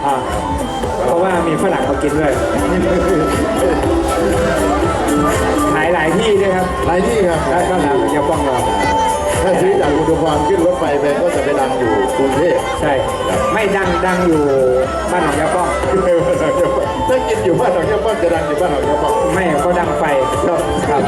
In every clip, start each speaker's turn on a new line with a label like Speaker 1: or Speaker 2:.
Speaker 1: เพราะว่ามีฝรั่งมากินด้วยขายหลายที่ด้วยครับ
Speaker 2: หลายที่ครับ
Speaker 1: แล้วก็หลานยาป้องเรา
Speaker 2: ถ้าซื้อจากอุดรขึ้นรถไฟไปก็จะไปดังอยู่กรุงเทพ
Speaker 1: ใช่ไม่ดังอยู่บ้านหนองยาป้อง
Speaker 2: ถ้ากินอยู่บ้านหนองยาป้องจะดังอยู่บ้านหนองยาป้อง
Speaker 1: ไม่ก็ดังไฟครับ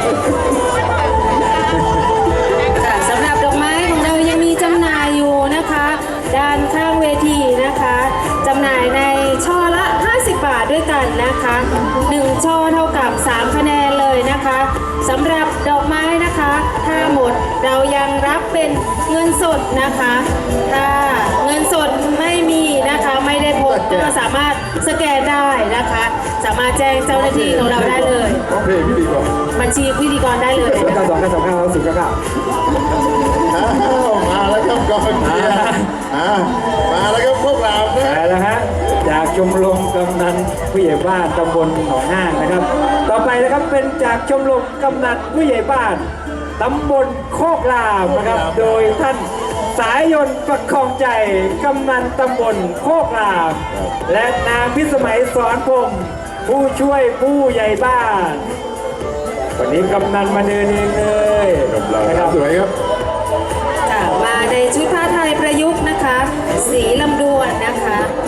Speaker 3: ค่ะสำหรับดอกไม้ของเรายังมีจำหน่ายอยู่นะคะ ด้านข้างเวทีนะคะจำหน่ายในช่อละ50 บาทด้วยกันนะคะ1ช่อเท่ากับ3คะแนนเลยนะคะสำหรับดอกไม้นะคะถ้าหมดเรายังรับเป็นเงินสดนะคะถ้าเงินสดไม่มีนะคะไม่ได้พกก็สามารถสแกนได้นะคะ สามารถแจ้งเจ้าหน้าที่ของเราได้เลย
Speaker 2: โอเคพิธีกร
Speaker 3: บัญชีพิธีกรได้เลย
Speaker 1: แล้วก็2 9 2 9 0 9
Speaker 2: มาแล้วครับกองเชียร์มาแล้วครับพวกเรานะ
Speaker 1: แล้วฮะจากชมรมกำนันผู้ใหญ่บ้านตำบลหนองห้างนะครับต่อไปนะครับเป็นจากชมรมกำนันผู้ใหญ่บ้านตำบลโคกรามนะครับโดยท่านสายยนต์ประคองใจกำนันตำบลโคกรามและนางพิสมัยสอนพรหมผู้ช่วยผู้ใหญ่บ้านวันนี้กำนันมาเดินเองเลยนะครับ
Speaker 2: สวยครับ
Speaker 3: ค่ะมาในชุดผ้าไทยประยุกต์นะคะ สีลำดวนนะคะ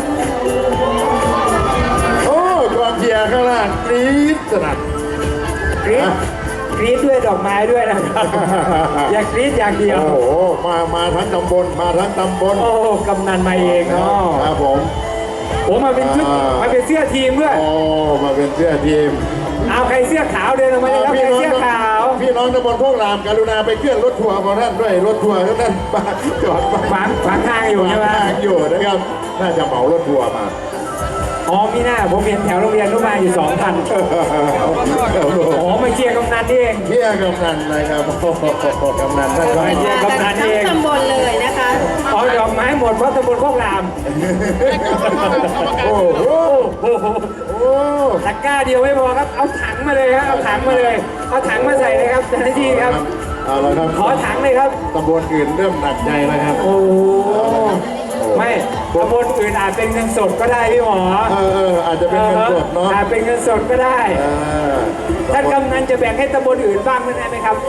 Speaker 2: โอ้กองเชียร์ข้างล่างกรี๊ดสนั่น
Speaker 1: กรี๊ดด้วยดอกไม้ด้วยนะครับ อย่ากรี๊ดอย่างเดียว
Speaker 2: โอ้โหมาทั้งตำบลมาทั้งตำบล
Speaker 1: โอ้กำนันมาเองเนาะ
Speaker 2: ครับผม
Speaker 1: โอ้มาเป็นชุดมาเป็นเสื้อทีมด้วย
Speaker 2: โอ้มาเป็นเสื้อทีม
Speaker 1: เอาใครเสื้อขาวเดินออกมาเลยครับใครเสื้อขาว
Speaker 2: พี่น้องตำบลพวกรามกรุณาไปเคลื่อนรถทัวร์ของท่านด้วยรถทัวร์ของท่านมาจอด
Speaker 1: ขวางทางอยู่ใช่ไหม
Speaker 2: ทางอยู่นะครับน่าจะเหมารถทัวร์มา
Speaker 1: อ๋อมีหน้าผมเห็นแถวโรงเรียนรู้มาอยู่ 2,000อ๋อมาเชียร์กำนันนี่เอง
Speaker 2: เที่ยกำนันนะครับกำนันท่านก็
Speaker 1: เชียร์กำนัน
Speaker 3: ทั้
Speaker 1: นี่
Speaker 3: ง
Speaker 1: เอง
Speaker 3: ตำบลเลยนะคะ
Speaker 1: อ๋อดอกไม้หมดเพราะตำบลโคกราม
Speaker 2: โอ้โห
Speaker 1: โอ้โห
Speaker 2: โอ้
Speaker 1: ตะกร้าเดียวไม่พอครับเอาถังมาเลยครับเอาถังมาเลยเอาถังมาใส่เลยครับเจ้าหน้าที่ครับ
Speaker 2: เอาละครับ
Speaker 1: ขอถังเลยครับ
Speaker 2: ตำบลอื่นเริ่มหนักใจแล้วครับ
Speaker 1: โอ้ไม่ตำบลอื่นอาจเป็นเงินสดก็ได้พี่หมอ
Speaker 2: อาจจะเป็นเงินสดเนาะ
Speaker 1: อาจเป็นเงินสดก็ได้ ท่าน
Speaker 2: ตำบล
Speaker 1: กำนันจะแบ่งให้ตำบลอื่นบ้างได้ไหมครับ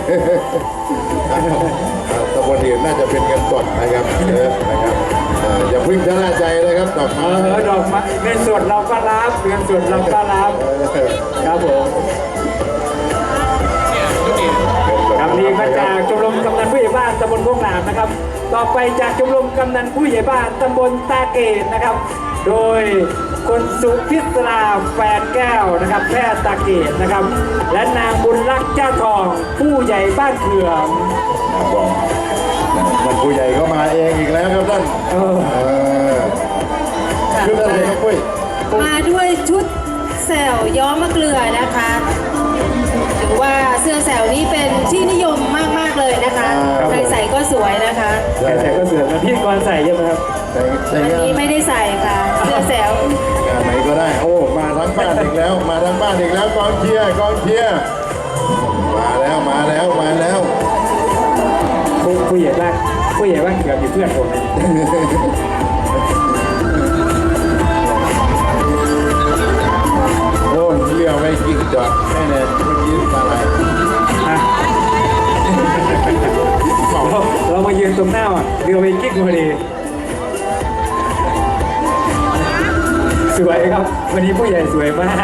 Speaker 2: ตำบลอื่นน่าจะเป็นเงินสดนะครับนะครับอย่าเพึ่งชะล่าใจนะครับดอกไม้
Speaker 1: ดอกไม้เงินสดเราก็รับเงินสดเราก็รับครับผมครับนี่มาจากชมรมกำนันผู้ใหญ่บ้านตำบลโคกรามนะครับ ต่อไปจากชมรมกำนันผู้ใหญ่บ้านตำบลตาเกตนะครับ โดยคุณสุพิศราแฟนแก้วนะครับแพทย์ตาเกตนะครับ และนางบุญรักษ์เจ้าทองผู้ใหญ่บ้านเขื่อม
Speaker 2: ท่านผู้ใหญ่ก็มาเองอีกแล้วครับท่านชุดอะไรครับปุ้ย
Speaker 3: มาด้วยชุดแสวย้อมมะเกลือนะคะถือว่าเสื้อแสวนี้เป็นที่นิยมมากๆเลยนะคะใครใส่ก็สวยนะคะ
Speaker 1: ใส่ก็เสือกแล้วพี่กรใส่ใช่ไหมครับ
Speaker 2: ใส่
Speaker 3: วัน
Speaker 2: งาน
Speaker 3: นี้ไม่ได้ใส่ค่ะ เสื้อแสว
Speaker 2: งานไหนก็ได้โอ้มาทั้งบ้านอีกแล้วมาทั้งบ้านอีกแล้วกองเชียร์กองเชียร์มาแล้วมาแล้วมาแล้ว
Speaker 1: ผู้ใหญ่บ้านเกือบอยู่เพื่อนผม
Speaker 2: โอ้เลี้ยวไม่กิ่งจอดแค่นั้นเมื่อกี้อะไร
Speaker 1: เรามายืนตรงหน้าอ่ะเรือไปกิ๊กพอดีสวยครับวันนี้ผู้ใหญ่สวยมาก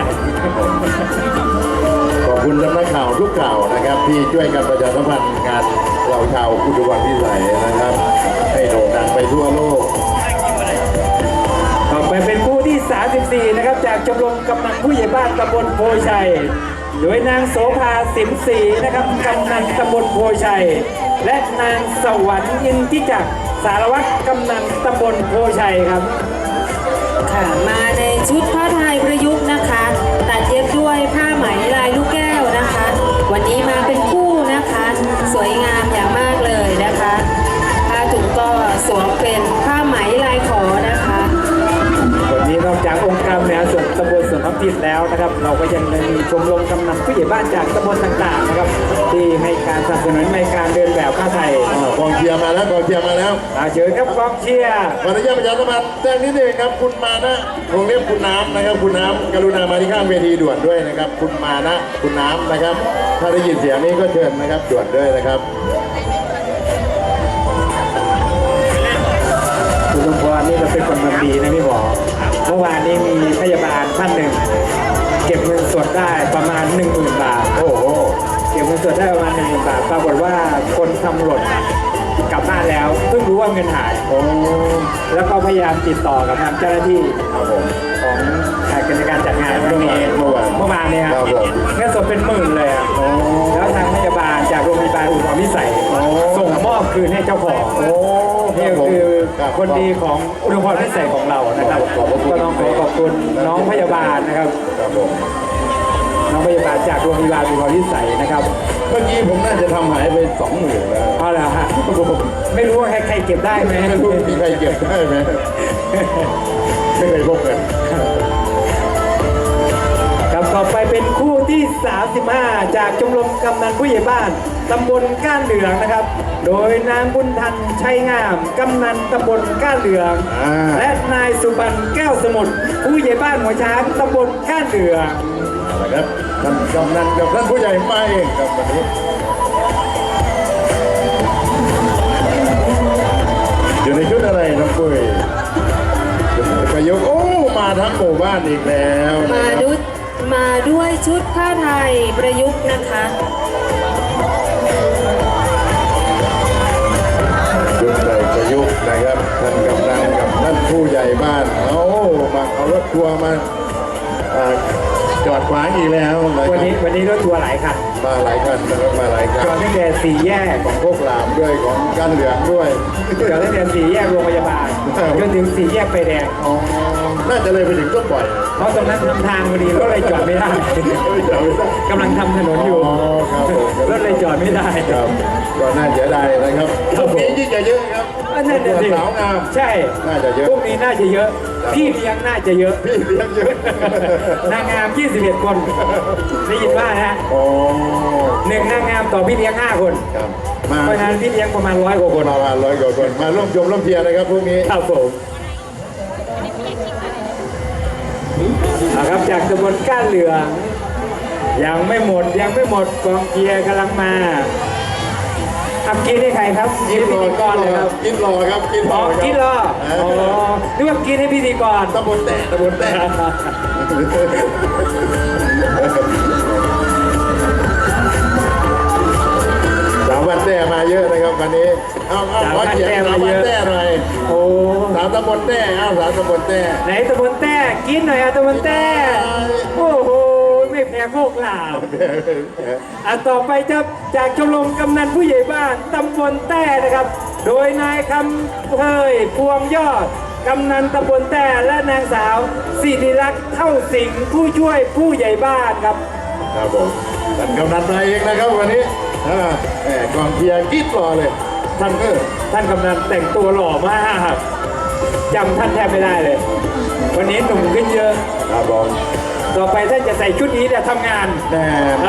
Speaker 2: ขอบคุณสำนักข่าวทุกข่าวนะครับที่ช่วยกันประชาสัมพันธ์งานเราชาวอุดรพิสัยนะครับให้โด่งดังไปทั่วโลก
Speaker 1: ต่อไปเป็นคู่ที่ 34 นะครับจากชมรมกำนันผู้ใหญ่บ้านตำบลโพชัยโดยนางโสภาสิมศรีนะครับกำนันตำบลโพชัยและนางสวรรค์ยินทิจักรสารวัตรกำนันตำบลโพชัยครับ
Speaker 3: ค่ะมาในชุดผ้าไทยประยุกต์นะคะ ตัดเย็บด้วยผ้าไหมลายลูกแก้วนะคะ วันนี้มาเป็นคู่นะคะ สวยงามอย่างมากเลยนะคะผ้าถุงก็สวมเป็นผ้าไหมลายขอนะคะ
Speaker 1: วันนี้นอกจากองค์การบริหารส่วนตำบลสวนถิ่นแล้วนะครับ เราก็ยังมีชมรมกำนันผู้ใหญ่บ้านจากตำบลต่างๆนะครับที่ให้การสนับสนุนในการเดินแบบผ้าไทย
Speaker 2: กองเชียร์มาแล้วกองเชียร์มาแล้ว
Speaker 1: เชิญครับกองเชียร์
Speaker 2: ขออนุญาตประชาสัมพันธ์แจ้งนิดนึงครับคุณมานะวงเล็บคุณน้ำนะครับคุณน้ำกรุณามาที่ข้างเวทีด่วนด้วยนะครับ คุณมานะคุณน้ำนะครับ ถ้าได้ยินเสียงนี้ก็เชิญนะครับด่วนด้วยนะครับ
Speaker 1: คุณสมพรนี่เราเป็นคนทำดีนะพี่หมอเมื่อวานนี้มีพยาบาลท่านหนึ่ง เก็บเงินสดได้ประมาณ 10,000 บาท
Speaker 2: โอ้โห
Speaker 1: เก็บเงินสดได้ประมาณ 10,000 บาทปรากฏว่าคนทำหล่นกลับบ้านแล้วเพิ่งรู้ว่าเงินหาย
Speaker 2: โอ้
Speaker 1: แล้วก็พยายามติดต่อกับทางเจ้าหน้าที่
Speaker 2: ครับผม
Speaker 1: ของการจัดงานเมื่อวาน
Speaker 2: เมื่อวาน
Speaker 1: เนี่ย
Speaker 2: ครับผม
Speaker 1: เงินสดเป็นหมื่นเลยอะแล้วทางพยาบาลจากโรงพยาบาลอุดรพิสัยส่งมอบคืนให้เจ้าของ
Speaker 2: โอ้
Speaker 1: นี่คือคนดีของอุดรพิสัยของเรานะครับก็ต้องขอขอบคุณน้องพยาบาลนะครับ
Speaker 2: ครับผม
Speaker 1: น้องพยาบาลจากโรงพยาบาลอุดรพิสัยนะครับ
Speaker 2: เมื่อกี้ผมน่าจะทำหายไป20,000แล้ว
Speaker 1: เอาละฮะไม่รู้ว่าใครเก็บได้ไหม
Speaker 2: ไม่รู้มีใครเก็บได้ไหมไม่เคยพบกัน
Speaker 1: ครับต่อไปเป็นคู่ที่ 35 จากชมรมกำนันผู้ใหญ่บ้านตำบลก้านเหลืองนะครับ โดยนางบุญทันชัยงามกำนันตำบลก้านเหลือง และนายสุบรรณแก้วสมุทรผู้ใหญ่บ้านหัวช้างตำบลก้านเหลือง
Speaker 2: นะครับท่านกำนันกับท่านผู้ใหญ่มาเองครับวันนี้อยู่ในชุดอะไรน้องปุ้ยประยุกต์โอ้มาทั้งหมู่บ้านอีกแล้วนะครับ
Speaker 3: มาด้วยชุดผ้าไทยประยุกต์นะคะ
Speaker 2: ชุดใส่ประยุกต์นะครับท่านกำนันกับท่านผู้ใหญ่บ้านเอามาเอารถทัวร์มาจอดขวางอีกแล้วนะค
Speaker 1: วัน
Speaker 2: รับ
Speaker 1: นี้รถทัวร์หลายคัน
Speaker 2: มาหลายคันนะครับมาหลายคั
Speaker 1: จอด
Speaker 2: น
Speaker 1: ตั้งแต่สี่แยก
Speaker 2: ของพวกหลามด้วยของกันเหลืองด้วย
Speaker 1: จอดตั้งแต่สี่แยกโรงพยาบาลจนถึงสี่แยกไฟแดง
Speaker 2: อ๋อน่าจะเลยไปถึงต้นปล่อย
Speaker 1: เพราะตรงนั้นทำทางพอดีก็เลยจอดไม่ได้
Speaker 2: ไม่จอดไม่ได้
Speaker 1: กำลังทำถนนอยู่
Speaker 2: อ๋อครับผม
Speaker 1: รถเลยจอดไม่ได้
Speaker 2: ครับก็น่าเสียดายนะครับ
Speaker 1: ครับ
Speaker 2: พวกนี้ยิ่งจะเยอะครับ
Speaker 1: อันนั้นน่ะสิ
Speaker 2: สาวงาม
Speaker 1: ใช่
Speaker 2: น่าจะเยอะ
Speaker 1: พวกนี้น่าจะเยอะ พี่เลี้ยงน่าจะเยอะ
Speaker 2: พี่เลี้ยงเยอะ
Speaker 1: นางงาม 21 คน ได้ยินว่านะฮะ
Speaker 2: โอ้
Speaker 1: หนึ่งนางงามต่อพี่เลี้ยง 5 คน
Speaker 2: ครับมา
Speaker 1: เพราะฉะนั้นพี่เลี้ยงประมาณ100 กว่าคน
Speaker 2: ประมาณ100 กว่าคนมาร่วมชมร่วมเชียร์นะครับพวกนี้
Speaker 1: ครับผมเอาครับจากตำบลก้านเหลือง ยังไม่หมดกองเชียร์กำลังมาอับกินให้ใครครับ
Speaker 2: กินรอ
Speaker 1: พิธีกรเลยครับ
Speaker 2: กินรอครับกินร
Speaker 1: อ๋
Speaker 2: อ
Speaker 1: อ
Speaker 2: ครับ
Speaker 1: กินรออ๋อนึกว่ากินให้พิธีกร
Speaker 2: ตำบลแตะตำบลแตะสามวันแต้มาเยอะนะครับวันนี้เอาขอเขียนสามวันแต้หน่อย
Speaker 1: โอ้
Speaker 2: สามตำบลแต้เอาสามตำบลแต้
Speaker 1: ไหนตำบลแต้กินหน่อยตำบลแต้โอ้โหไม่แพ้โคกหลาวต่อไปจะจากชมรมกำนันผู้ใหญ่บ้านตำบลแต้นะครับ โดยนายคำเพยพวงยอดกำนันตำบลแต้และนางสาวสิริลักษณ์เท่าสิงห์ผู้ช่วยผู้ใหญ่บ้านครับ
Speaker 2: ครับผมท่านกำนันมาเองนะครับวันนี้แหมกองเชียร์กิ๊ดรอเลยท่านก็
Speaker 1: ท่านกำนันแต่งตัวหล่อมากจำท่านแทบไม่ได้เลย วันนี้หนุ่มขึ้นเยอะ
Speaker 2: ครับผม
Speaker 1: ต่อไปท่านจะใส่ชุดนี้เนี่ยทำงาน
Speaker 2: แหม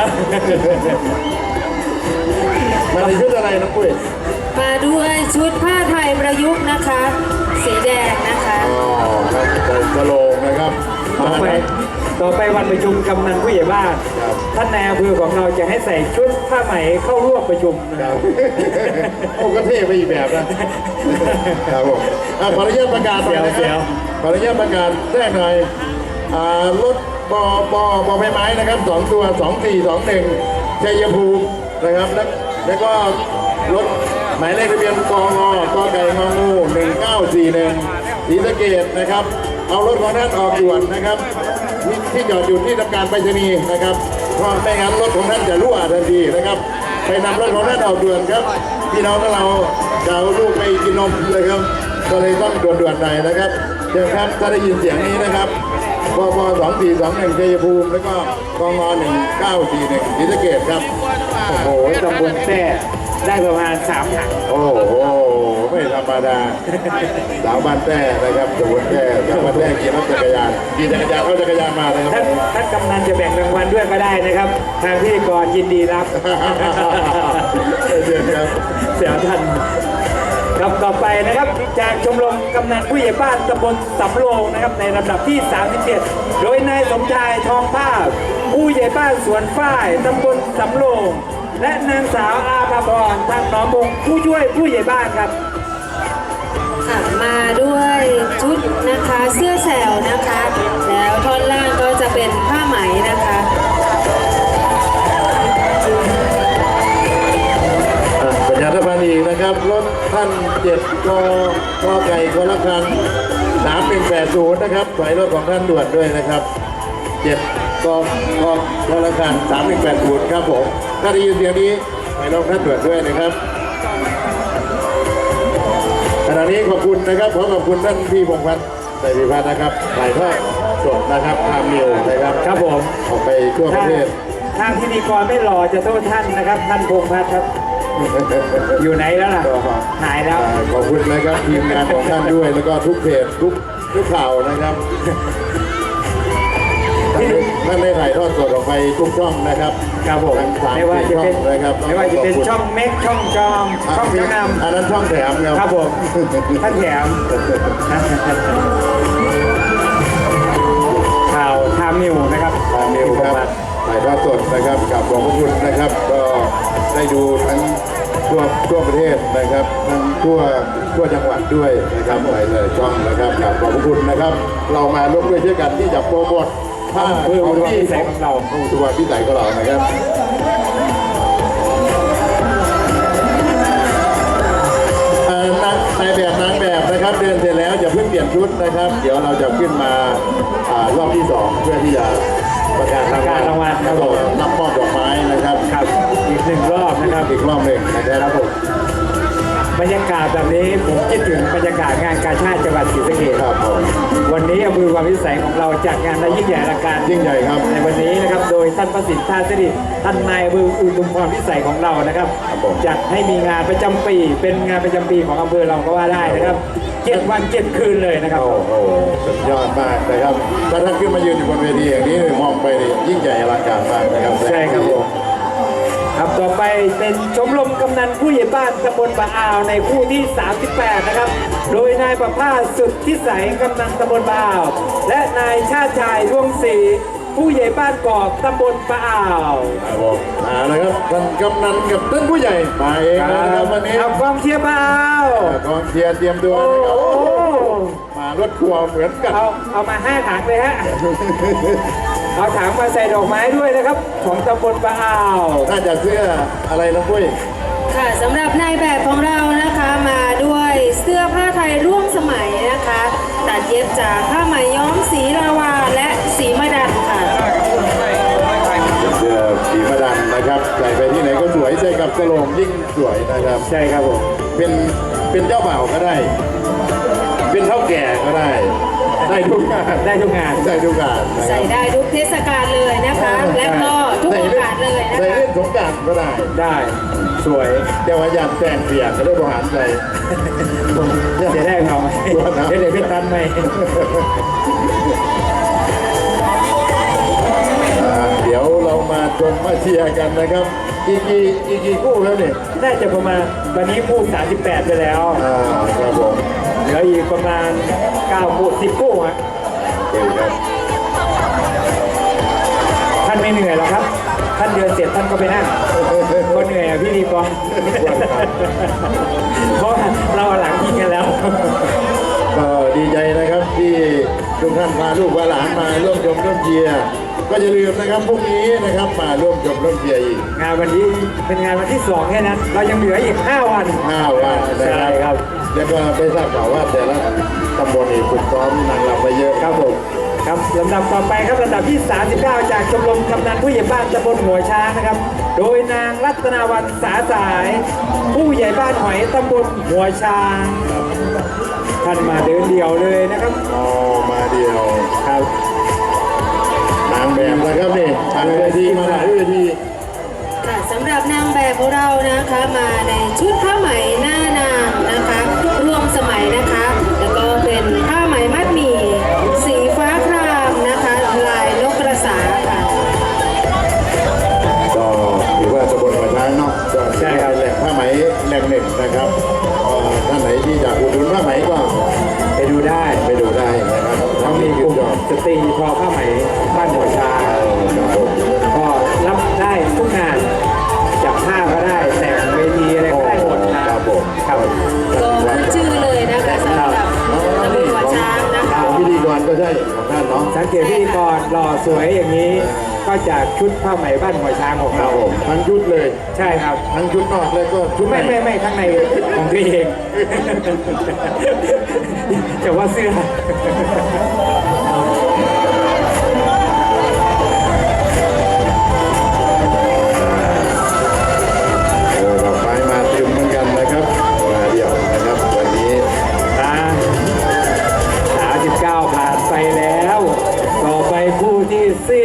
Speaker 2: มาในชุดอะไรน้องปุ้ย
Speaker 3: มาด้วยชุดผ้าไทยประยุกต์นะคะ สีแดงนะคะ
Speaker 2: อ๋อครับใส่สโลงนะครับ
Speaker 1: ต่อไปวันประชุมกำนันผู้ใหญ่บ้าน
Speaker 2: ครับ
Speaker 1: ท่านนายอำเภอของเราจะให้ใส่ชุดผ้าไหมเข้าร่วมประชุมนะ
Speaker 2: ค
Speaker 1: ค
Speaker 2: รั
Speaker 1: รั
Speaker 2: บบ โอ้ก็เท่ไปอีกแบบนะครับผมขออนุญาตประกาศหน่อยนะค
Speaker 1: เดี๋
Speaker 2: รั
Speaker 1: ยว
Speaker 2: บขออนุญาตประกาศแจ้งหน่อยรถบอใบไม้นะครับ2 ตัว 2421ชัยภูมินะครับแล้วก็รถหมายเลขทะเบียนกงกไก่งงู1941ศรีสะเกษนะครับเอารถของท่านออกด่วนนะครับที่จอดอยู่ที่ทำการไปรษณีย์นะครับเพราะไม่งั้นรถของท่านจะรั่วทันทีนะครับไปนำรถของท่านออกด่วนครับพี่น้องของเราจะเอาลูกไปกินนมเลยครับก็เลยต้องด่วนๆหน่อยนะครับเดี๋ยวครับถ้าได้ยินเสียงนี้นะครับปป2421ชัยภูมิแล้วก็กง1941ศรีสะเกษครับ
Speaker 1: โอ้โหตำบลแต้ได้ประมาณ3ถัง
Speaker 2: โอ้โหไม่ธรรมดาสาวบ้านแต้นะครับสมุนแต้สาวบ้านแต้ขี่รถจักรยานเข้าจักรยานมาเลยครับ
Speaker 1: ท่านกำนันจะแบ่งรางวัลด้วยก็ได้นะครับ ทางพิธีกรยินดีรับ
Speaker 2: เดือนครับ
Speaker 1: เสียท่านครับต่อไปนะครับจากชมรมกำนันผู้ใหญ่บ้านตำบลสำโรงนะครับในลำดับที่ 37 โดยนายสมชายทองภาพผู้ใหญ่บ้านสวนฝ้ายตำบลสำโรงและนางสาวอาภาพรทางหนองมงผู้ช่วยผู้ใหญ่บ้านครับ
Speaker 3: ค่ะมาด้วยชุดนะคะเสื้อแสวนะคะ แล้วท่อนล่างก็จะเป็นผ้าไหมนะคะ
Speaker 2: ประชาสัมพันธ์อีกนะครับรถท่าน7กไก่คนละคัน3180นะครับถอยรถของท่านด่วนด้วยนะครับ7คนละคัน3180ครับผมถ้าได้ยินเสียงนี้ถอยรถท่านด่วนด้วยนะครับขณะนี้ขอบคุณนะครับขอบคุณท่านพี่พงษ์พัฒน์ไตรพิพัฒน์นะครับถ่ายทอดสดนะครับทางนิวนะครับ
Speaker 1: ครับผม
Speaker 2: ออกไปทั่วประเทศ
Speaker 1: ถ้าพิธีกรไม่หล่อจะโทษท่านนะครับท่านพงษ์พัฒน์ครับ อยู่ไหนแล้วล่ะ หายแล้ว
Speaker 2: ขอบคุณนะครับทีมงานของท่านด้วยแล้วก็ทุกเพจทุกข่าวนะครับท่านได้ถ่ายทอดสดออกไปทุกช่องนะครับ
Speaker 1: ครับผม
Speaker 2: ทั้งสาม
Speaker 1: ไม่ว่าจะเป็น
Speaker 2: ช่องนะครับ
Speaker 1: ไม่ว่าจะเป็นช่องเม็กช่องจอมช่องชั้นน
Speaker 2: อันนั้นช่องแถม
Speaker 1: ำครับผมท่านแถมข่าวทามนิวนะครับ
Speaker 2: ทางนิวครับถ่ายทอดสดนะครับกับขอบพระคุณนะครับ ก็ได้ดูทั้งทั่วประเทศนะครับทั้งทั่วจังหวัดด้วยนะครับหลายๆช่องนะครับกับขอบพระคุณนะครับ เรามาร่วมด้วยช่วยกันที่จะโปรโมทผ้า
Speaker 1: เพื่อ
Speaker 2: ของ
Speaker 1: อุดม
Speaker 2: ที่
Speaker 1: นิสัยของเรา
Speaker 2: ตัวพิสัยของเรานะครับนายแบบนางแบบนะครับเดินเสร็จแล้วอย่าเพิ่งเปลี่ยนชุดนะครับ เดี๋ยวเราจะขึ้นมารอบที่2เพื่อที่จะประกาศรางวัลครับผมรับมอบดอกไม้นะครับ
Speaker 1: ครับอีก1 รอบนะครับ
Speaker 2: อีกรอบหนึ่งนะครับผม
Speaker 1: บรรยากาศแบบนี้ผมคิดถึงบรรยากาศงานกาชาติจังหวัดศรีสะเกษ
Speaker 2: ครับผม
Speaker 1: วันนี้อำเภอความพิสัยของเราจัดงานได้ยิ่งใหญ่อลังการ
Speaker 2: ยิ่งใหญ่ครับ
Speaker 1: ในวันนี้นะครับโดยท่านประสิทธิ์ท่าสิริท่านนายอำเภออุทุมพรพิสัยของเรานะครับ
Speaker 2: ครับผม
Speaker 1: จัดให้มีงานประจำปีเป็นงานประจำปีของอำเภอเราก็ว่าได้นะครับ7 วัน 7 คืนเลยนะครับ
Speaker 2: โอ้โหสุดยอดมากนะครับถ้าท่านขึ้นมายืนอยู่บนเวทีอย่างนี้มองไปนี่ยิ่งใหญ่อลังการมากนะครับ
Speaker 1: ใช่ครับผมครับต่อไปเป็นชมรมกำนันผู้ใหญ่บ้านตำบลปะอาวในคู่ที่ 38 นะครับ โดยนายประภาสสุดทิสัยกำนันตำบลปะอาว และนายชาติชายร่วงศรีผู้ใหญ่บ้านกอกตำบลปะอาว
Speaker 2: ครับผมมาแล้วครับท่านกำนันกับท่านผู้ใหญ่มาเองนะครับวันนี้
Speaker 1: เอากองเชียร์ปะอาว
Speaker 2: กองเชียร์เตรียมตัว
Speaker 1: โอ้
Speaker 2: นะครับ
Speaker 1: โห
Speaker 2: มารถทัวร์เหมือนกัน
Speaker 1: เอามา5 ถังเลยฮะ เอาถังมาใส่ดอกไม้ด้วยนะครับ ของตำบลปะอาว
Speaker 2: น่าจะเสื้ออะไรนะปุ้ย
Speaker 3: ค่ะสำหรับนายแบบของเรานะคะมาด้วยเสื้อผ้าไทยร่วมสมัยนะคะ ตัดเย็บจากผ้าไหมย้อมสีลาวาและสีมะดันค่ะ
Speaker 2: เสื้อสีมะดันนะครับใส่ไปที่ไหนก็สวยใส่กับกระโหลกยิ่งสวยนะครับ
Speaker 1: ใช่ครับผม
Speaker 2: เป็นเจ้าบ่าวก็ได้ เป็นเท่าแก่ก็ได้ ได้ทุกงาน
Speaker 1: ได้ทุกงาน
Speaker 2: ได้ทุกงานนะค
Speaker 3: ใส่
Speaker 2: รับ
Speaker 3: ได้ทุกเทศกาลเลยนะคะ และก็ทุกโอกาสเลยนะ
Speaker 2: ใส่
Speaker 3: คะ
Speaker 2: เล่นสงกรารก็ได้
Speaker 1: ได้สวย
Speaker 2: แต่ว่าอยากแต่งเปียกก็ได้บริหารใจ
Speaker 1: จะได้เขาไหมเดี๋ยวพี่ตันไหม
Speaker 2: เดี๋ยวเรามาชมมาเชียร์กันนะครับ อีกกี่คู่แล้วเนี่ย
Speaker 1: น่าจะประมาณวันนี้คู่38ไปแล้ว
Speaker 2: ครับผม
Speaker 1: เหลืออีกประมาณ9 คู่10 คู่ฮะ
Speaker 2: โอเคครับ
Speaker 1: ท่านไม่เหนื่อยหรอกครับ ท่านเดินเสร็จท่านก็ไปนั่งคนเหนื่อยอะพี่ดีกองเพราะเราหลังยิงกันแล้ว
Speaker 2: ก็ดีใจนะครับที่ทุกท่านพาลูกพาหลานมาร่วมชมร่วมเชียร์ก็อย่าลืมนะครับพรุ่งนี้นะครับมาร่วมชมร่วมเชียร์อีก
Speaker 1: งานวันนี้เป็นงานวันที่ 2 แค่นั้น เรายังเหลืออีก 5 วัน
Speaker 2: 5 วันนะ
Speaker 1: ใช่
Speaker 2: ค
Speaker 1: ค
Speaker 2: รั
Speaker 1: รั
Speaker 2: บบ แล้วก็ได้ทราบข่าวว่าแต่ละตำบลนี่ฝึกซ้อมนางรำไปเยอะ
Speaker 1: ครับผมครับลำดับต่อไปครับลำดับที่ 39 จากชมรมกำนันผู้ใหญ่บ้านตำบลหัวช้างนะครับ โดยนางรัตนาวันสาสาย ผู้ใหญ่บ้านหอยตำบลหัวช้างท่านมาเดินเดี่ยวเลยนะครับ
Speaker 2: อ๋อมาเดียว
Speaker 1: ครับ
Speaker 2: นางแบบนะครับนี่ทางเวทีมาหลายเวที
Speaker 3: ค่ะสำหรับนางแบบของเรานะคะมาใน
Speaker 1: สตรีทอผ้าไหมบ้านหัวช้างก็รับได้ทุกงานจับผ้าก็ได้แต่งเวทีอะไรก็ได้หมดนะครับครับ
Speaker 3: ก็ขึ้นชื่อเลยนะคะสำหรับตำบลหัวช้างนะคะ
Speaker 2: พิธีกรก็ใช่ของท่านเนาะ
Speaker 1: สังเกตพิธีกรหล่อสวยอย่างนี้ ก็จากชุดผ้าไหมบ้านหัวช้างของ
Speaker 2: ครั
Speaker 1: เรา
Speaker 2: บผมทั้งชุดเลย
Speaker 1: ใช่ครับ
Speaker 2: ทั้งชุดนอกเลยก็ชุดใน
Speaker 1: ไม่ข้างในของตัวเอง จะว่าเสื้อ
Speaker 2: ดอกไม้มาเต็มเหมือนกันนะครับมาเดี่ยวนะครับวันนี้
Speaker 1: 39ผ่านไปแล้ว ต่อไปผู้ที่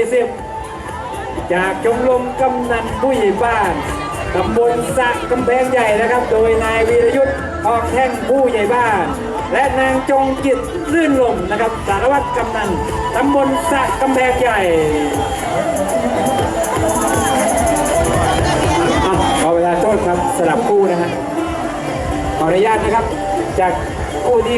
Speaker 1: 40 จากชมรมกำนันผู้ใหญ่บ้านตำบลสระกำแพงใหญ่นะครับ โดยนายวีรยุทธ์ทองแท่งผู้ใหญ่บ้าน และนางจงจิตลื่นลมนะครับสารวัตรกำนันตำบลสระกำแพงใหญ่ขอเวลาโทษครับสลับคู่นะฮะขออนุญาตนะครับจากคู่ที่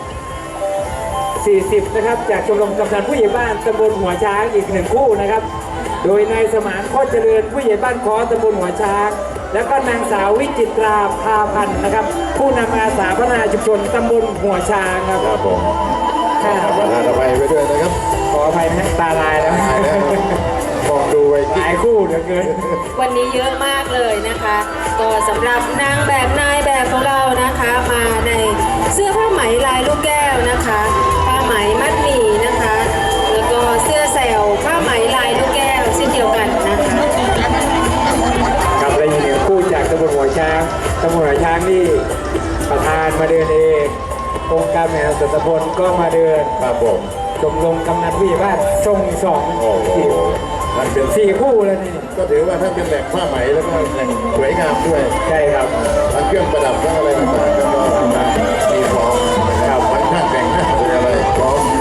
Speaker 1: 40 นะครับจากชมรมกำนันผู้ใหญ่บ้านตำบลหัวช้างอีกหนึ่งคู่นะครับ โดยนายสมานโคตรเจริญผู้ใหญ่บ้านขอตำบลหัวช้าง แล้วก็นางสาววิจิตราพาพันธ์นะครับ ผู้นำอาสาพัฒนาชุมชนตำบลหัวช้างครับ
Speaker 2: ครับผม
Speaker 1: ค่ะ
Speaker 2: ประธานอภัยไปด้วยนะครับ
Speaker 1: ขออภัยนะตาลายแล้ว
Speaker 2: ตายแล้วมองดูไว้
Speaker 1: ห
Speaker 2: ที่
Speaker 1: ลายคู่เหลือเกิน
Speaker 3: วันนี้เยอะมากเลยนะคะก็สำหรับนางแบบนายแบบของเรานะคะมาในเสื้อผ้าไหมลายลูกแก้วนะคะผ้าไหมมัดหมี่นะคะ แล้วก็เสื้อแซวผ้าไหมลายลูกแก้วเช่นเดียวกันนะคะ
Speaker 1: ครับและอีกหนึ่งคู่จากตำบลหัวช้างตำบลหัวช้างนี่ประธานมาเดินเององค์การแม่สตำบลก็มาเดิน
Speaker 2: ครับผม
Speaker 1: ชมรมกำนันผู้ใหญ่บ้านทรงสอง
Speaker 2: โอ้โหมันเป็น
Speaker 1: 4 คู่แล้วนี่
Speaker 2: ก็ถือว่าถ้าเป็นแหล่งผ้าไหมแล้วก็แหล่งสวยงามด้วย
Speaker 1: ใช่ครับ
Speaker 2: ทั้งเครื่องประดับทั้งอะไรต่างๆก็มีพร้อมนะครับทั้งช่างแต่งหน้าหรืออะไรพร้อม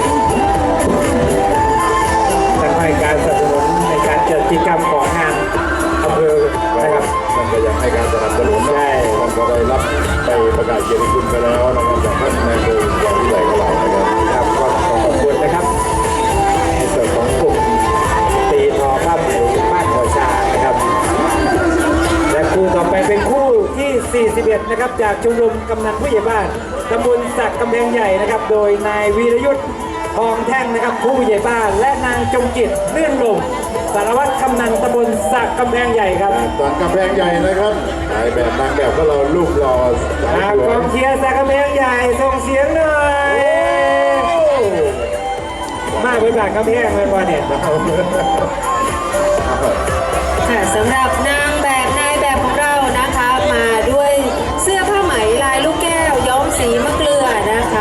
Speaker 1: ท่านให้การสนับสนุนในการจัดกิจกรรมของงานอำเภอนะครับ
Speaker 2: มันก็ยังให้การสนับสนุนนะ
Speaker 1: ใช่
Speaker 2: มันก็ได้รับไปประกาศเกียรติคุณไปแล้วนะครับจากท่านนายอำเภออย่างที่ไหนก็หลายนะครับ
Speaker 1: ครับก็ขอขอบคุณนะครับในส่วนของกลุ่มตีทอผ้าไหมบ้านหัวช้างนะครับ และคู่ต่อไปเป็นคู่ที่ 41 นะครับจากชมรมกำนันผู้ใหญ่บ้านตำบลสักกำแพงใหญ่นะครับ โดยนายวีรยุทธ์ทองแท่งนะครับผู้ใหญ่บ้าน และนางจงจิตเลื่อนลมสารวัตรกำนันตำบลสักกำแพงใหญ่ครับ
Speaker 2: ตอนกำแพงใหญ่นะครับนายแบบนางแบบก็เราลูกรอสาวส
Speaker 1: ก
Speaker 2: ว
Speaker 1: อย งเชียร์สักกำแพงใหญ่ส่งเสียงหน่อยมาเป็นบาทกำแพงเลยวันเนี่ย
Speaker 3: ค่ะสำหรับนางแบบนายแบบของเรานะคะมาด้วยเสื้อผ้าไหมลายลูกแก้วย้อมสีมะเกลือนะคะ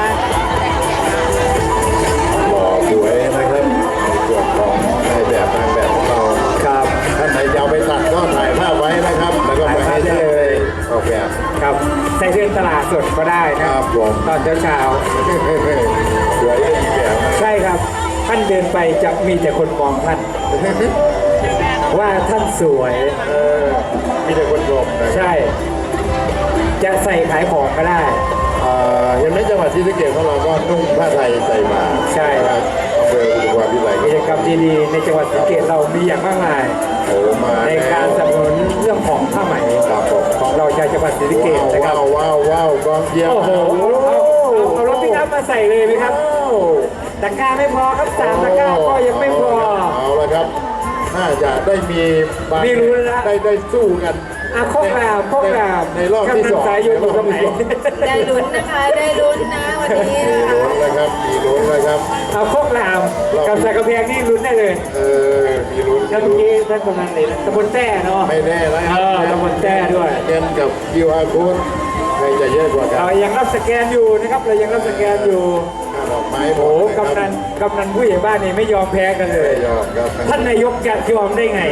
Speaker 2: หล่อสวยนะครับในส่วนของนายแบบนางแบบของเรา
Speaker 1: ครับ
Speaker 2: ท่านไหนจะเอาไปตัดก็ถ่ายภาพไว้นะครับ แล้วก็ไปให้ท่านเลยออกแบบ
Speaker 1: ครับใส่เดินตลาดสดก็ได้
Speaker 2: ค
Speaker 1: นะ
Speaker 2: รับผม
Speaker 1: ตอนเช้า
Speaker 2: สวยได้อีกแบบ
Speaker 1: ๆใช่ครับ ท่านเดินไปจะมีแต่คนมองท่าน ว่าท่านสวย
Speaker 2: มีแต่คนชมนะ
Speaker 1: ใช่ จะใส่ขายของก็ได้
Speaker 2: เห็นไหมจังหวัดศรีสะเกษของเราก็นุ่งผ้าไทยใส่มา
Speaker 1: ใช่ครับ
Speaker 2: อำเภออุทุมพรพิสัย
Speaker 1: กิจกรรมดีๆในจังหวัดศรีสะเกษเรามีอย่างมากมาย
Speaker 2: โอ้มา
Speaker 1: ในการสนับสนุนเรื่องของผ้าไหม
Speaker 2: ครับผม
Speaker 1: ของเราชาวจังหวัดศรีสะเกษนะครับ
Speaker 2: ว้าวกองเชียร์
Speaker 1: โอ้โหเอารถปิกอัพมาใส่เลยไหมครับตะกร้าไม่พอครับ3 ตะกร้าก็ยังไม่พอ
Speaker 2: เอาละครับน่าจะได้มีบาง
Speaker 1: ไม่รู้แล้วนะ
Speaker 2: ได้สู้กัน
Speaker 1: โคกรามโคกราม
Speaker 2: ในรอบที่ 2
Speaker 1: สายอยู่ตรงไหน
Speaker 3: ได้ลุ้นนะคะได้ลุ้นนะวันนี้
Speaker 2: มี
Speaker 3: นะคะ
Speaker 2: ลุ้นนะครับมีลุ้นนะครับ
Speaker 1: เอาโคกรามกับสักกระเพียงนี่ลุ้นได้เลย
Speaker 2: มีลุ้น
Speaker 1: แล้วเมื่อกี้ท่านกำนันเลยตำบลแต้เนาะ
Speaker 2: ไม่แน่แล้วครั
Speaker 1: ตำบลแต้ด้วย
Speaker 2: เงินกับ QR code ใครจะเยอะกว่ากัน
Speaker 1: เรายังรับสแกนอยู่นะครับเรายังรับสแกนอยู่
Speaker 2: ดอกไม้หม
Speaker 1: โอ้
Speaker 2: ดะครับ
Speaker 1: กำนันผู้ใหญ่บ้านนี่ไม่ยอมแพ้กันเลย
Speaker 2: ไม่ยอมครับ
Speaker 1: ท่านนายกจะยอมได้ไง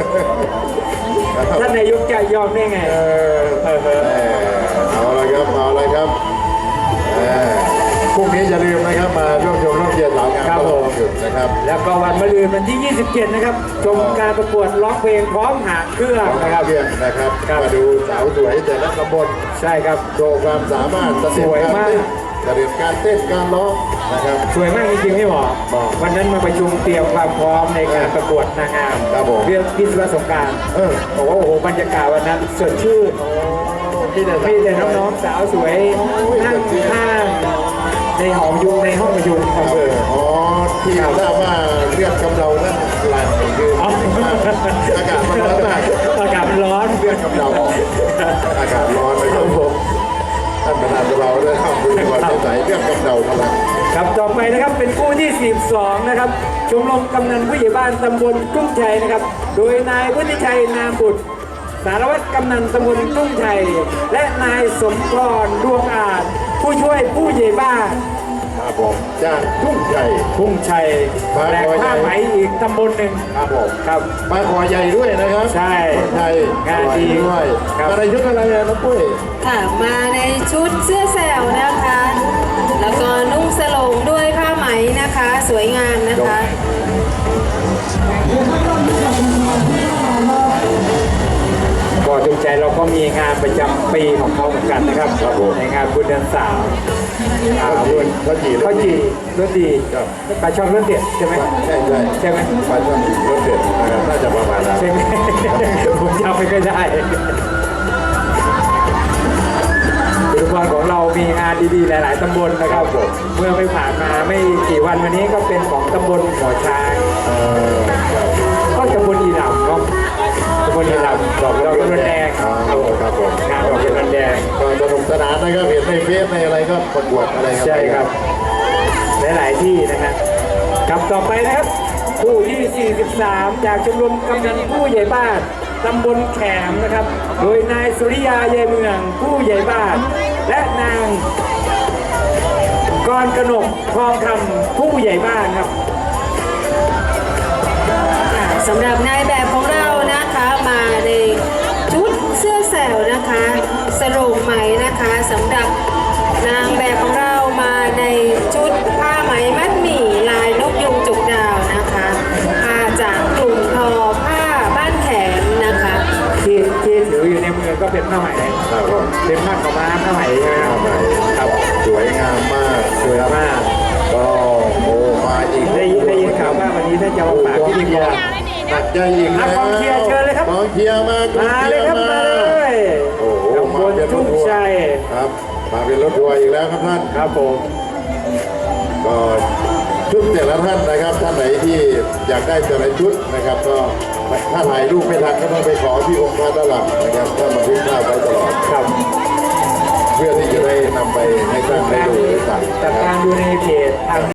Speaker 1: ท่านนายกจะยอมได้ไง
Speaker 2: เอาละครับเอาละครับพรุ่งนี้อย่าลืมนะครับมาร่วมชมร่วมเชียร์สาวงาม
Speaker 1: ครับผม
Speaker 2: หยุดนะครับ
Speaker 1: แล้วก็วันมะรืนวันที่ 27 นะครับ ชมการประกวดร้องเพลงพร้อมหางเครื่อง
Speaker 2: นะ
Speaker 1: นะ
Speaker 2: ค
Speaker 1: ค
Speaker 2: รั
Speaker 1: รั
Speaker 2: บบ เพื่อนนะครับ
Speaker 1: ครับ
Speaker 2: มาดูสาวสวยแต่ละตำบล
Speaker 1: ใช่ครับ
Speaker 2: โชว์ความสามารถ
Speaker 1: สวยมาก
Speaker 2: กระเด็นการเต้นการร้องนะครับ
Speaker 1: สวยมากจริงๆพี่หมอ
Speaker 2: บอก
Speaker 1: วันนั้นมาประชุมเตรียมความพร้อมในการประกวดนางงาม
Speaker 2: ครับผม
Speaker 1: เรื่องวิศวะสงกราร บอกว่าโอ้โหบรรยากาศวันนั้นสดชื่น
Speaker 2: พี่แต่
Speaker 1: มีแต่น้องๆสาวสวยนั่งข้างในหอประชุมในห้องประชุมอำเภอ
Speaker 2: อ๋อที่ทราบว่าเลือดกำเดานั่นหลายคือ
Speaker 1: อ๋อ
Speaker 2: อากาศมันร้อนมาก
Speaker 1: อากาศมันร้อน
Speaker 2: เลือดกำเดาออกอากาศร้อนนะครับผมท่านประธานเราได้ทำบุญวันใสเลือดกำเดาพลัง
Speaker 1: ครับต่อไปนะครับเป็นคู่ที่ 42 นะครับชมรมกำนันผู้ใหญ่บ้านตำบลกุ้งชัยนะครับ โดยนายวุฒิชัยนามบุตร สารวัตรกำนันตำบลกุ้งชัย และนายสมพรดวงอาจผู้ช่วยผู้ใหญ่บ้าน
Speaker 2: ครับผมจากทุ่งใหญ่
Speaker 1: กุ้งชัยแหลกผ้าไหมอีกตำบลหนึ่ง
Speaker 2: ครับผม
Speaker 1: ครับ
Speaker 2: ปลาคอใหญ่ด้วยนะครับ
Speaker 1: ใช่
Speaker 2: คนไทย
Speaker 1: งานดี
Speaker 2: ด้วย
Speaker 1: ครับ
Speaker 2: อะไรชุดอะไรอะน้องปุ้ย
Speaker 3: ค่ะมาในชุดเสื้อแสวนะคะ แล้วก็นุ่งสโลงด้วยผ้าไหมนะคะ สวยงามนะคะ
Speaker 1: ก่อนจงใจเราก็มีงานประจำปีของเขาเหมือนกันนะครับในงานบุญเดือนสามบุญ
Speaker 2: ข้าวจี่
Speaker 1: ข้าวจี่รสดี
Speaker 2: ครับ
Speaker 1: ปลาช่อนรสเด็ดใช่ไหม
Speaker 2: ใช่ใช่
Speaker 1: ใช่ไหม
Speaker 2: ปลาช่อนรสเด็ดนะครับน่าจะประมาณนั้น
Speaker 1: ใช่ไหม ผมจำไม่ค่อยได้ทุกวันของเรามีงานดีๆหลายๆตำบลนะครับเมื่อไม่ผ่านมาไม่กี่วันวันนี้ก็เป็นของตำบลหัวช้างก็ตำบลอีหลำเนาะตำบลอีหลำดอกเงินแดง
Speaker 2: ครับผม
Speaker 1: งานดอกเงินแดง
Speaker 2: ก็สนุกสนานนะครับเห็นในเฟซในอะไรก็ประกวดอะไรกัน
Speaker 1: ใช่ครับหลายๆที่นะครับกับต่อไปนะครับคู่ที่ 43 จากชมรมกำนันผู้ใหญ่บ้านตำบลแขมนะครับ โดยนายสุริยาเยเมืองผู้ใหญ่บ้าน และนางกรกนกทองคำผู้ใหญ่บ้านครับ
Speaker 3: สำหรับนายแบบของเรานะคะมาในชุดเสื้อแสวนะคะสโรงไหมนะคะสำหรับนางแบบของเรามาในชุดผ้าไหมมัดหมี่ลายนกยุงจุกดาวนะคะผ้าจากกลุ่มทอผ้าบ้านแขมนะคะ
Speaker 1: ที่ถืออยู่ในมือก็เป็นผ้าไหม
Speaker 2: ครับผม
Speaker 1: เป็นผ้าขาวม้าผ้าไหมใช่ไหมครับครับ
Speaker 2: สวยงามมาก
Speaker 1: สวยมาก
Speaker 2: ก็โอ้มาอีก
Speaker 1: ได้ยินข่าวว่าวันนี้ท่านจะมาฝากพิธีกร
Speaker 2: หนักใจอีกแล้ว
Speaker 1: กองเชียร์เชิญเลยครับ
Speaker 2: กองเชียร์มากอง
Speaker 1: มา
Speaker 2: เชี
Speaker 1: เลย ย
Speaker 2: ร์
Speaker 1: ครับ
Speaker 2: มา
Speaker 1: มาเลย
Speaker 2: โอ้โห
Speaker 1: ตำบล
Speaker 2: มาเป็นร
Speaker 1: ทุ่
Speaker 2: ถ
Speaker 1: ง
Speaker 2: ทัวร์
Speaker 1: ชัย
Speaker 2: ครับมาเป็นรถทัวร์อีกแล้วครับท่าน
Speaker 1: ครับผม
Speaker 2: ก็ชุดแต่ละท่านนะครับท่านไหนที่อยากได้แต่ละชุดนะครับ ก็ถ้าถ่ายรูปไม่ทันก็ต้องไปขอที่องค์พระด้านหลังนะครับถ้ามาทิ้งภาพไว้ตลอด
Speaker 1: ครับ
Speaker 2: เพื่อที่จะได้นำไปให้ท่านได้ดูได้สั่ง
Speaker 1: จัด
Speaker 2: นะค
Speaker 1: กา
Speaker 2: รับ
Speaker 1: รดูในเพจทาง